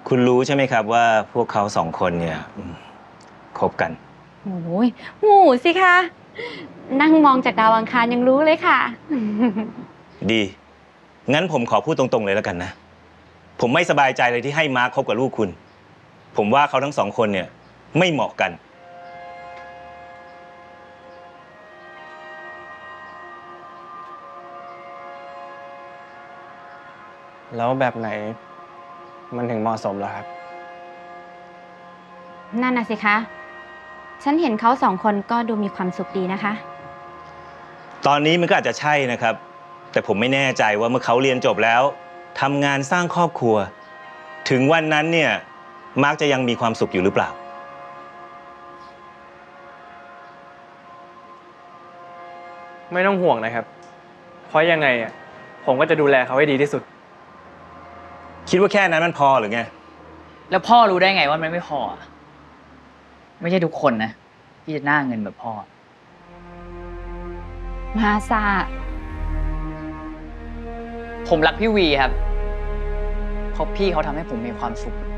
คุณรู้ใช่ไหมครับว่าพวกเขาสองคนเนี่ยคบกันโอ้ยหมูสิคะ นั่งมองจากดาวอังคารยังรู้เลยค่ะดี งั้นผมขอพูดตรงๆเลยแล้วกันนะ ผมไม่สบายใจเลยที่ให้มาร์คคบกับลูกคุณ ผมว่าเขาทั้งสองคนเนี่ยไม่เหมาะกันแล้วแบบไหนมันถึงเหมาะสมเหรอครับนั่นน่ะสิคะ ฉันเห็นเขาสองคนก็ดูมีความสุขดีนะคะตอนนี้มันก็อาจจะใช่นะครับ แต่ผมไม่แน่ใจว่าเมื่อเขาเรียนจบแล้วทำงานสร้างครอบครัว ถึงวันนั้นเนี่ยมาร์คจะยังมีความสุขอยู่หรือเปล่าไม่ต้องห่วงนะครับ เพราะยังไงอ่ะผมก็จะดูแลเขาให้ดีที่สุดคิดว่าแค่นั้นมันพอหรือไงแล้วพ่อรู้ได้ไงว่ามันไม่พออะไม่ใช่ทุกคนนะที่จะหน้าเงินแบบพ่อมาซาผมรักพี่วีครับเพราะพี่เขาทำให้ผมมีความสุข